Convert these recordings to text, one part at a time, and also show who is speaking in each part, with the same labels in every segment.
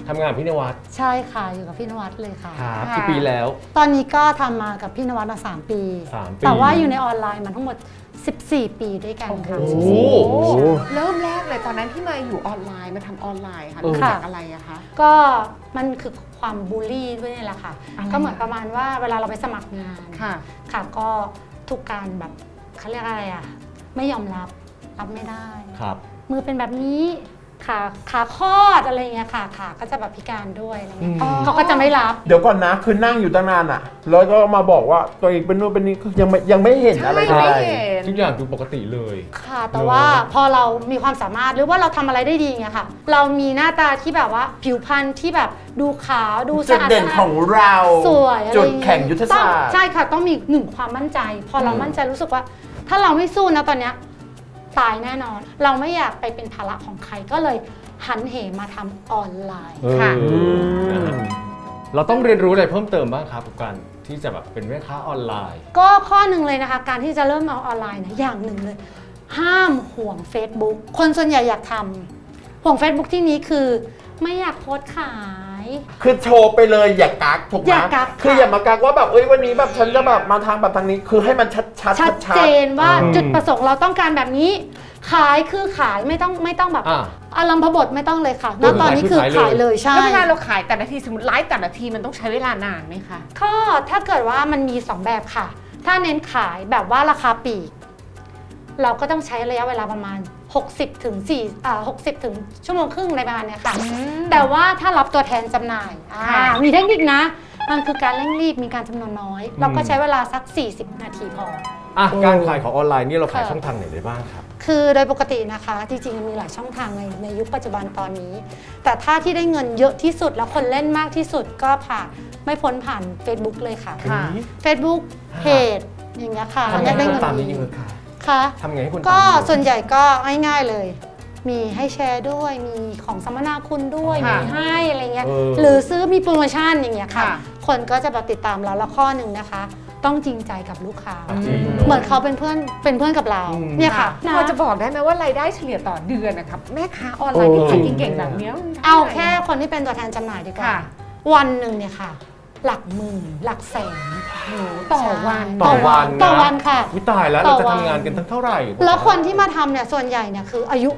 Speaker 1: ทำงานพี่นวัด
Speaker 2: ใช่ค่ะอยู่กับพี่นวัดเลยค่ะ
Speaker 1: ครับกี่ปีแล้ว
Speaker 2: ตอนนี้ก็ทำมากับพี่นวัดมา3 ปีแต่ว่าอยู่ในออนไลน์มาทั้งหมด14 ปีด้วยกันค่ะ
Speaker 3: เริ่มแรกเลยตอนนั้นที่มาอยู่ออนไลน์มาทำออนไลน์ค่ะเริ่มจากอะไรอะคะ
Speaker 2: ก็มันคือความบูลลี่ด้วยนี่แหละค่ะก็เหมือนประมาณว่าเวลาเราไปสมัครงานค่ะก็ทุกการแบบเขาเรียกอะไรอะไม่ยอมรับไม่ได้
Speaker 1: ครับ
Speaker 2: มือเป็นแบบนี้ขาคลอดอะไรเงี้ยค่ะขาก็จะแบบพิการด้วยอะไรเงี้ยเขาก็จะไม่รับ
Speaker 4: เดี๋ยวก่อนนะคือนั่งอยู่ตั้งนานอ่ะแล้วก็มาบอกว่าตัวเองเป็นนู่นเป็นนี่ยังไม่เห็นอะไร
Speaker 3: เลย
Speaker 1: ทุกอย่างดูปกติเลย
Speaker 2: ค่ะแต่ว่าพอเรามีความสามารถหรือว่าเราทำอะไรได้ดีเงี้ยค่ะเรามีหน้าตาที่แบบว่าผิวพรรณที่แบบดูขาวดูสะอาด
Speaker 4: จุดเด่นของเรา
Speaker 2: สวย
Speaker 4: จุดแข่งยุทธศาสตร์
Speaker 2: ใช่ค่ะต้องมี1ความมั่นใจพอเรามั่นใจรู้สึกว่าถ้าเราไม่สู้นะตอนเนี้ยตายแน่นอนเราไม่อยากไปเป็นภาระของใครก็เลยหันเหมาทำออนไลน์ค่ะ
Speaker 1: เราต้องเรียนรู้อะไรเพิ่มเติมบ้างครับกับการที่จะแบบเป็นแม่ค้าออนไลน์
Speaker 2: ก็ข้อหนึ่งเลยนะคะการที่จะเริ่มเอาออนไลน์นะอย่างหนึ่งเลยห้ามห่วง Facebook คนส่วนใหญ่อยากทำห่วง Facebook ที่นี้คือไม่อยากโพสต์ขาย
Speaker 4: คือโชว์ไปเลยอย่ากักถูกไหมคืออย่ามากักว่าแบบวันนี้แบบฉันจะแบบมาทางแบบทางนี้คือให้มันชัด
Speaker 2: เจนว่าจุดประสงค์เราต้องการแบบนี้ขายคือขายไม่ต้องแบบอารมณ์พบทไม่ต้องเลยค่ะณตอนนี้คือขายเลยใช่
Speaker 3: แล้วเวลาเราขายแต่ละทีสมมติไลฟ์แต่ละทีมันต้องใช้เวลานานไหมคะ
Speaker 2: ก็ถ้าเกิดว่ามันมี2แบบค่ะถ้าเน้นขายแบบว่าราคาปลีกเราก็ต้องใช้ระยะเวลาประมาณ60 ถึงชั่วโมงครึ่งในประมาณนี้ค่ะแต่ว่าถ้ารับตัวแทนจำหน่ายมีเทคนิคนะมันคือการเร่งรีบมีการจำนวนน้อยเราก็ใช้เวลาสัก40 นาทีพอ
Speaker 1: การขายของออนไลน์นี่เราขายช่องทางไหนได้บ้างครับ
Speaker 2: คือโดยปกตินะคะจริงๆมีหลายช่องทางในยุคปัจจุบันตอนนี้แต่ถ้าที่ได้เงินเยอะที่สุดแล้วคนเล่นมากที่สุดก็ไม่พ้นผ่าน Facebook เลยค่ะ Facebook เพจอย่างเงี้ยค่ะ
Speaker 1: ได้เงินตามนี้ยังไง
Speaker 2: ค่ะ
Speaker 1: ทำไงให้คน
Speaker 2: ก็ส่วนใหญ่ก็ง่ายๆเลยมีให้แชร์ด้วยมีของสัมมนาคุณด้วยมีให้อะไรเงี้ยหรือซื้อมีโปรโมชั่นอย่างเงี้ยค่ะคนก็จะติดตามเราแล้วข้อหนึ่งนะคะต้องจริงใจกับลูกค้าเหมือนเขาเป็นเพื่อนกับเราเนี่ยค่ะ
Speaker 3: พอจะบอกได้ไหมว่ารายได้เฉลี่ยต่อเดือนนะครับแม่ค้าออนไลน์ที่ขายเก่งๆแบบนี้
Speaker 2: เอาแค่คนที่เป็นตัวแทนจำหน่ายดีกว่าวันหนึ่งเนี่ยค่ะหลักหมื่นหลักแสน
Speaker 3: ต่อวัน
Speaker 2: ค่ะ
Speaker 1: วิตายแล้วเราจะทำงานกันทั้งเท่าไหร่
Speaker 2: แล้วคนที่มาทำเนี่ยส่วนใหญ่เนี่ยคืออายุ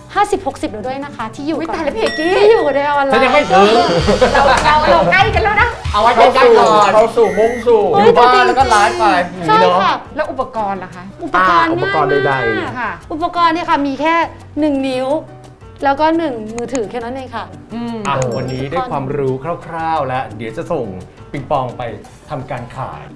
Speaker 2: 50-60แล้วด้วยนะคะที่อยู่
Speaker 3: กับเพจกี้
Speaker 2: ที่อยู่ในออนไลน์
Speaker 1: ฉันยังไม่ถึง
Speaker 3: เราใกล้กันแล้วนะ
Speaker 1: เอาไว้ใกล้ๆก่อน
Speaker 4: เข้าสู่มุ่งสู่
Speaker 1: อยู่บ้านแล้วก็ไลฟ์ไป
Speaker 2: ใช่ค่ะ
Speaker 3: แล้วอุปกรณ์ล่ะคะ
Speaker 2: อุปกรณ์
Speaker 4: ใด
Speaker 2: ๆอุปกรณ์เนี่ยค่ะมีแค่1 นิ้วแล้วก็1 มือถือแค่นั้นเองค่ะ
Speaker 1: วันนี้ได้ความรู้คร่าวๆแล้วเดี๋ยวจะส่งปิงปองไปทำการขาย